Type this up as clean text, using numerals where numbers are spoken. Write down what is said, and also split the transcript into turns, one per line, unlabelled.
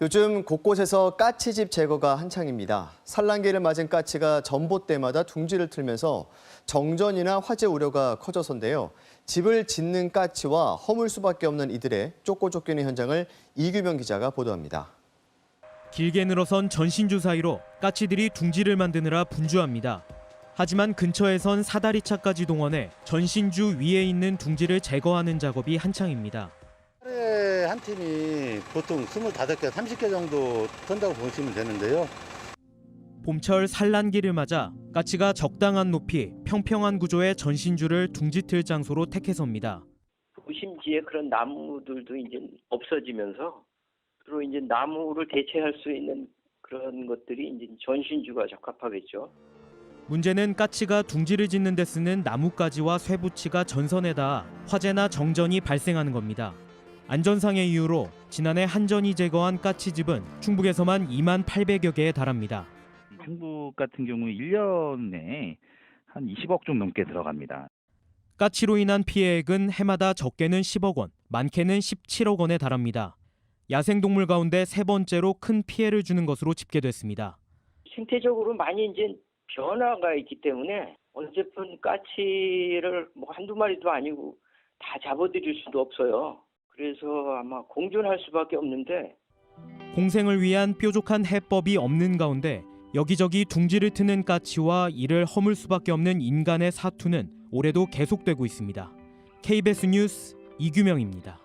요즘 곳곳에서 까치집 제거가 한창입니다. 산란기를 맞은 까치가 전봇대마다 둥지를 틀면서 정전이나 화재 우려가 커져서인데요. 집을 짓는 까치와 허물 수밖에 없는 이들의 쫓고 쫓기는 현장을 이규명 기자가 보도합니다.
길게 늘어선 전신주 사이로 까치들이 둥지를 만드느라 분주합니다. 하지만 근처에선 사다리차까지 동원해 전신주 위에 있는 둥지를 제거하는 작업이 한창입니다.
하루에 한 팀이 보통 25개, 30개 정도 턴다고 보시면 되는데요.
봄철 산란기를 맞아 까치가 적당한 높이, 평평한 구조의 전신주를 둥지 틀 장소로 택해섭니다.
도심지에 그런 나무들도 이제 없어지면서 주로 이제 나무를 대체할 수 있는 그런 것들이 이제 전신주가 적합하겠죠.
문제는 까치가 둥지를 짓는 데 쓰는 나뭇가지와 쇠붙이가 전선에 닿아 화재나 정전이 발생하는 겁니다. 안전상의 이유로 지난해 한전이 제거한 까치집은 충북에서만 2만 800여 개에 달합니다.
충북 같은 경우 1년에 한 20억 좀 넘게 들어갑니다.
까치로 인한 피해액은 해마다 적게는 10억 원, 많게는 17억 원에 달합니다. 야생동물 가운데 세 번째로 큰 피해를 주는 것으로 집계됐습니다.
생태적으로 많이 이제 변화가 있기 때문에 어쨌든 까치를 뭐 한두 마리도 아니고 다 잡아들일 수도 없어요. 그래서 아마 공존할 수밖에 없는데
공생을 위한 뾰족한 해법이 없는 가운데 여기저기 둥지를 트는 까치와 이를 허물 수밖에 없는 인간의 사투는 올해도 계속되고 있습니다. KBS 뉴스 이규명입니다.